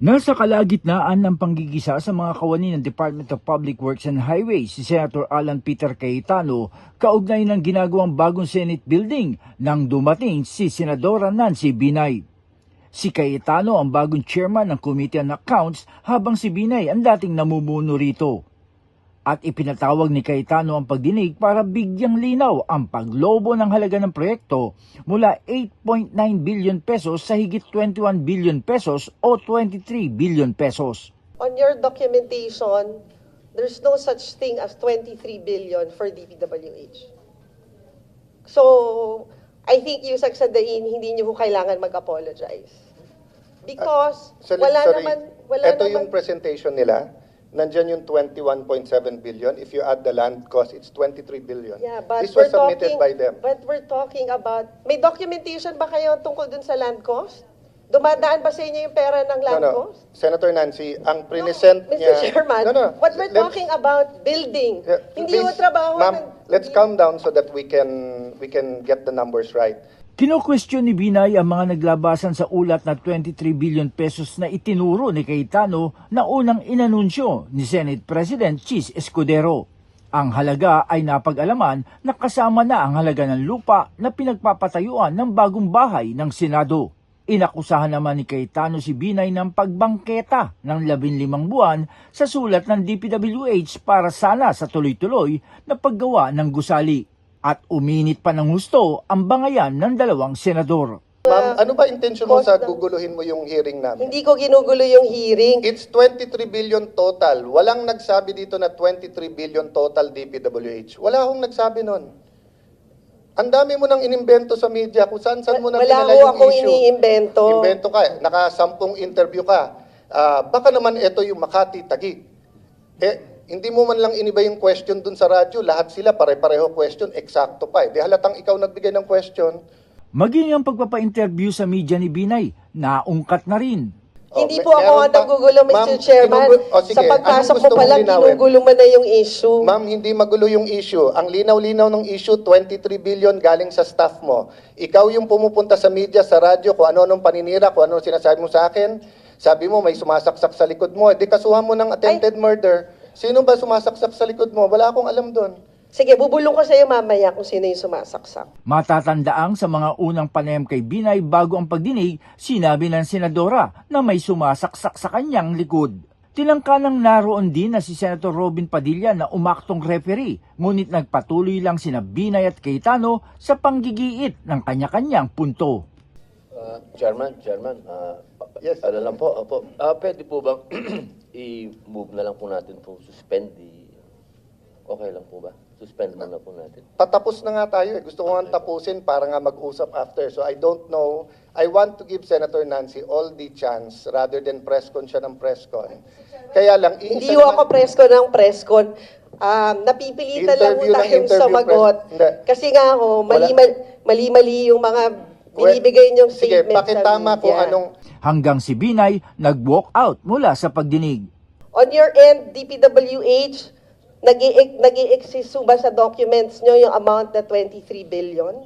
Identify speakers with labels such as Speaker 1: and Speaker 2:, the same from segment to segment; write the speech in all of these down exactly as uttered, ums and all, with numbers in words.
Speaker 1: Nasa kalagitnaan ng panggigisa sa mga kawani ng Department of Public Works and Highways si Senator Alan Peter Cayetano kaugnay ng ginagawang bagong Senate building nang dumating si Senadora Nancy Binay. Si Cayetano ang bagong chairman ng Committee on Accounts habang si Binay ang dating namumuno rito. At ipinatawag ni Cayetano ang pagdinig para bigyang linaw ang paglobo ng halaga ng proyekto mula eight point nine billion pesos sa higit twenty-one billion pesos o twenty-three billion pesos.
Speaker 2: On your documentation, there's no such thing as twenty-three billion for D P W H. So, I think yung sagsadain, hindi niyo po kailangan mag-apologize. Because
Speaker 3: Uh, sorry,
Speaker 2: wala
Speaker 3: sorry.
Speaker 2: naman, wala
Speaker 3: Ito
Speaker 2: naman.
Speaker 3: yung presentation nila. Nandyan yung twenty-one point seven billion. If you add the land cost, it's twenty-three billion.
Speaker 2: Yeah, but
Speaker 3: This was
Speaker 2: we're
Speaker 3: submitted
Speaker 2: talking,
Speaker 3: by them.
Speaker 2: But we're talking about, may documentation ba kayo tungkol dun sa land cost? Dumadaan ba sa inyo yung pera ng
Speaker 3: No,
Speaker 2: land
Speaker 3: no.
Speaker 2: cost?
Speaker 3: Senator Nancy, ang present
Speaker 2: Mister
Speaker 3: niya...
Speaker 2: Chairman,
Speaker 3: No, no.
Speaker 2: what we're
Speaker 3: Let's-
Speaker 2: talking about, building.
Speaker 3: Yeah,
Speaker 2: Hindi
Speaker 3: please,
Speaker 2: yung trabaho
Speaker 3: Ma'am,
Speaker 2: ng...
Speaker 3: let's calm down so that we can we can get the numbers right.
Speaker 1: Kino-question ni Binay ang mga naglabasan sa ulat na twenty-three billion pesos na itinuro ni Cayetano na unang inanunsyo ni Senate President Chis Escudero. Ang halaga ay napag-alaman na kasama na ang halaga ng lupa na pinagpapatayuan ng bagong bahay ng Senado. Inakusahan naman ni Cayetano si Binay ng pagbangketa ng labing limang buwan sa sulat ng D P W H para sana sa tuloy-tuloy na paggawa ng gusali. At uminit pa ng husto ang bangayan ng dalawang senador.
Speaker 3: Ma'am, ano ba intention mo
Speaker 2: cost
Speaker 3: sa
Speaker 2: ng-
Speaker 3: guguluhin mo yung hearing namin?
Speaker 2: Hindi ko ginugulo yung hearing.
Speaker 3: It's twenty-three billion total. Walang nagsabi dito na twenty-three billion total D P W H. Wala akong nagsabi nun. Ang dami mo nang inimbento sa media kung saan-saan mo na
Speaker 2: Wala
Speaker 3: pinala
Speaker 2: ko
Speaker 3: yung
Speaker 2: akong
Speaker 3: issue.
Speaker 2: iniimbento.
Speaker 3: Invento ka. Nakasampung interview ka. Ah, baka naman ito yung Makati Taguig. Eh, hindi mo man lang iniba yung question dun sa radyo. Lahat sila pare-pareho question. Eksakto pa eh. Di halatang ikaw nagbigay ng question.
Speaker 1: Maging ang pagpapa-interview sa media ni Binay, naungkat na rin.
Speaker 3: Oh,
Speaker 2: Hindi
Speaker 3: may-
Speaker 2: po ako
Speaker 3: meron
Speaker 2: ang
Speaker 3: pa-
Speaker 2: nagugulo, Mister
Speaker 3: Ma'am,
Speaker 2: Chairman.
Speaker 3: ginugu- oh, sige,
Speaker 2: Sa pagpasok
Speaker 3: anong
Speaker 2: mo
Speaker 3: gusto
Speaker 2: pa
Speaker 3: mong
Speaker 2: lang,
Speaker 3: linawin?
Speaker 2: ginugulo mo na yung issue.
Speaker 3: Ma'am, hindi magulo yung issue. Ang linaw-linaw ng issue, twenty-three billion galing sa staff mo. Ikaw yung pumupunta sa media, sa radyo, kung ano-anong paninira, kung ano sinasabi mo sa akin. Sabi mo, may sumasaksak sa likod mo. Eh, di kasuhan mo ng attempted murder. Sino ba sumasaksak sa likod mo? Wala akong alam doon.
Speaker 2: Sige, bubulong ko sa iyo mamaya kung sino yung sumasaksak.
Speaker 1: Matatandaang sa mga unang panayam kay Binay bago ang pagdinig, sinabi ng senadora na may sumasaksak sa kanyang likod. Tinangkanang naroon din na si Senator Robin Padilla na umaktong referee, ngunit nagpatuloy lang sina Binay at Cayetano sa panggigiit ng kanya-kanyang punto.
Speaker 4: Uh, Chairman, Chairman, uh,
Speaker 3: Yes.
Speaker 4: ano lang po, opo. Uh, pwede po bang i-move na lang po natin po, suspend the... Okay lang po ba? Suspend muna po natin.
Speaker 3: Patapos na nga tayo eh. Gusto ko nga tapusin para nga mag-usap after. So I don't know. I want to give Senator Nancy all the chance rather than press con siya ng press con. Kaya lang, iisa
Speaker 2: Hindi ho
Speaker 3: naman-
Speaker 2: ako presko ng preskon. Um, napipilitan lang ho
Speaker 3: Interview ng
Speaker 2: tayong
Speaker 3: interview,
Speaker 2: sumagot.
Speaker 3: pres- Hindi.
Speaker 2: Kasi nga ho,
Speaker 3: Wala.
Speaker 2: mali-mali mali-mali yung mga binibigay niyong
Speaker 3: Sige,
Speaker 2: statement sa
Speaker 3: pakitama kung
Speaker 2: media.
Speaker 3: anong...
Speaker 1: Hanggang si Binay nag-walk out mula sa pagdinig.
Speaker 2: On your end, D P W H, nag-i- nag-i-exist ho ba sa documents nyo yung amount na twenty-three billion?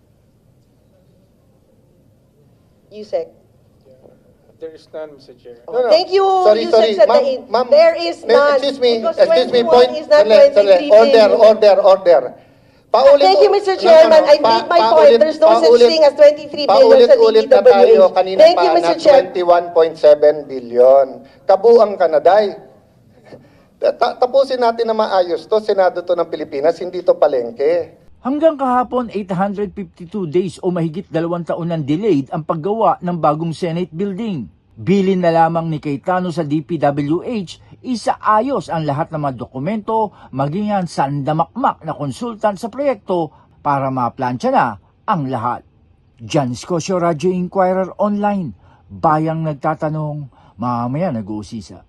Speaker 2: Yusek.
Speaker 5: There is none, Mister Chair.
Speaker 3: No, no.
Speaker 2: Thank you,
Speaker 3: Sorry,
Speaker 2: Yusek
Speaker 3: sorry.
Speaker 2: Sadain.
Speaker 3: Ma'am, ma'am,
Speaker 2: There is
Speaker 3: may-
Speaker 2: none.
Speaker 3: Excuse me,
Speaker 2: Because
Speaker 3: excuse me,
Speaker 2: twenty-one
Speaker 3: point.
Speaker 2: is not
Speaker 3: Sandali, sandali.
Speaker 2: twenty-three
Speaker 3: Order,
Speaker 2: billion.
Speaker 3: order, order. Paulit,
Speaker 2: Thank you, Mister
Speaker 3: no, no,
Speaker 2: Chairman.
Speaker 3: no.
Speaker 2: I made my point.
Speaker 3: paulit-
Speaker 2: There's no such
Speaker 3: paulit-
Speaker 2: thing as twenty-three billion sa
Speaker 3: Paulit-ulit na
Speaker 2: D P W H.
Speaker 3: tayo kanina
Speaker 2: Thank
Speaker 3: pa
Speaker 2: you,
Speaker 3: na
Speaker 2: Mister Chair.
Speaker 3: twenty-one point seven billion. Kabuang Kanaday. Ta- Tapusin natin na maayos to. Senado to ng Pilipinas, hindi to palengke.
Speaker 1: Hanggang kahapon, eight hundred fifty-two days o mahigit dalawang taon nang delayed ang paggawa ng bagong Senate building. Bilin na lamang ni Cayetano sa D P W H, isaayos ang lahat ng mga dokumento, maging ang sandamakmak na konsultant sa proyekto para maplansya na ang lahat. Jan Scosio, Radio Inquirer Online, bayang nagtatanong, mamaya nag-uusisa.